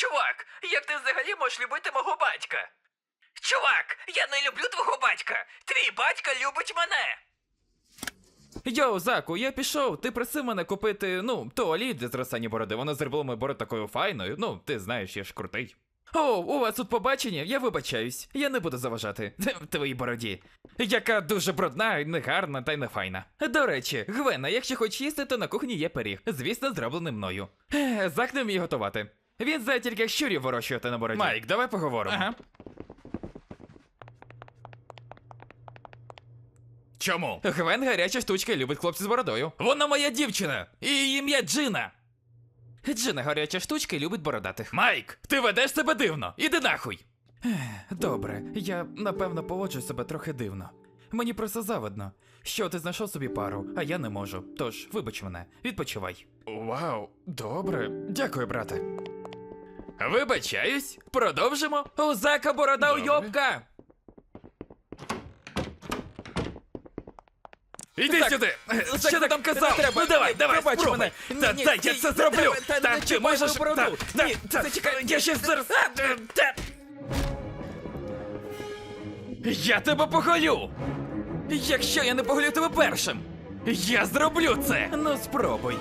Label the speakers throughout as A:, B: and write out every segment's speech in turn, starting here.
A: Чувак, як ти взагалі можеш любити мого батька? Чувак, я не люблю твого батька. Твій батько любить мене.
B: Йоу, Заку, я пішов, ти просив мене купити, туалет для зростання бороди, воно зробило мою бороду такою файною, ти знаєш, я ж крутий. О, у вас тут побачення? Я вибачаюсь, я не буду заважати твоїй бороді, яка дуже брудна, негарна та й не файна. До речі, Гвена, якщо хочеш їсти, то на кухні є пиріг, звісно, зроблений мною. Зак не вміє готувати. Він знає тільки як щурів вирощувати на бороді. Майк, давай поговоримо. Ага. Чому? Гвен гаряча штучка і любить хлопців з бородою. Вона моя дівчина! І її ім'я Джина! Джина гаряча штучка і любить бородатих. Майк, ти ведеш себе дивно! Іди нахуй! Добре, я, напевно, поводжу себе трохи дивно. Мені просто завидно, що ти знайшов собі пару, а я не можу. Тож, вибач мене, відпочивай. Вау, добре. Дякую, брате. Вибачаюсь, продовжимо. У Зака борода уйобка! Іди сюди! Що ти там казав? Ну давай, пробач мене! Дай, я це зроблю! Так, ти можеш... Ні, зачекай, я ще зараз... Я тебе поголю! Якщо я не поголю тебе першим! Я зроблю це! Ну спробуй!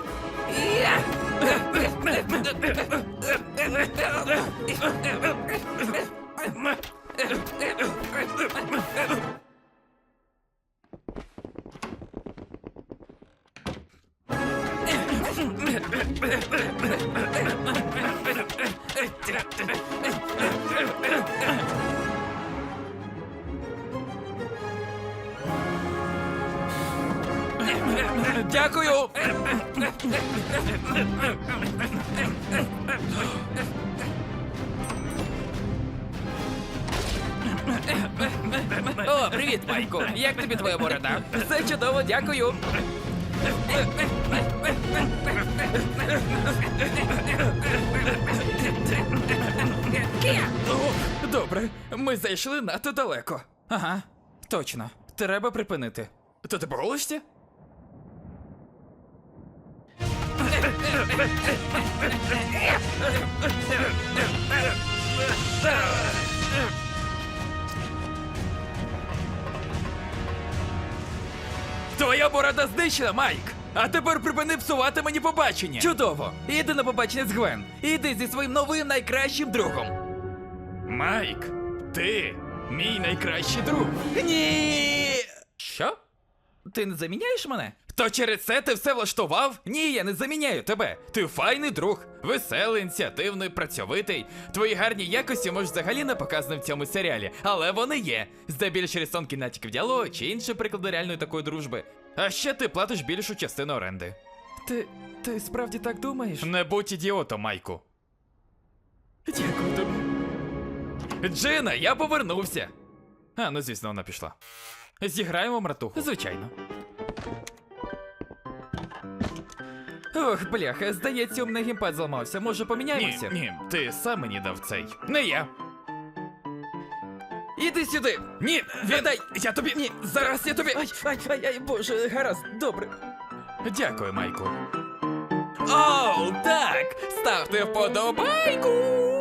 B: Дякую! О, привіт, Майку! Як тобі твоя борода? Все чудово, дякую! О, добре, ми зайшли надто далеко. Ага, точно. Треба припинити. То ти боролишся? Твоя борода знищена, Майк! А тепер припини псувати мені побачення! Чудово! Іди на побачення з Гвен! Іди зі своїм новим найкращим другом! Майк, ти мій найкращий друг! Ні! Що? Ти не заміняєш мене? То через це ти все влаштував? Ні, я не заміняю тебе. Ти файний друг, веселий, ініціативний, працьовитий. Твої гарні якості можуть взагалі не показані в цьому серіалі, але вони є. Здебільш рисунки натяків діалогу чи інші приклади реальної такої дружби. А ще ти платиш більшу частину оренди. Ти справді так думаєш? Не будь ідіотом, Майку. Дякую тобі. Джина, я повернувся. А, ну звісно, вона пішла. Зіграємо мратуху. Звичайно. Ох, бляха, здається, у мене геймпад зламався. Може, поміняємося? Ні, ти сам мені дав цей. Не я. Іди сюди! Ні, віддай! Я тобі... Ні, зараз я тобі... Ай, боже, гаразд, добре. Дякую, Майку. Оу, так! Ставте вподобайку!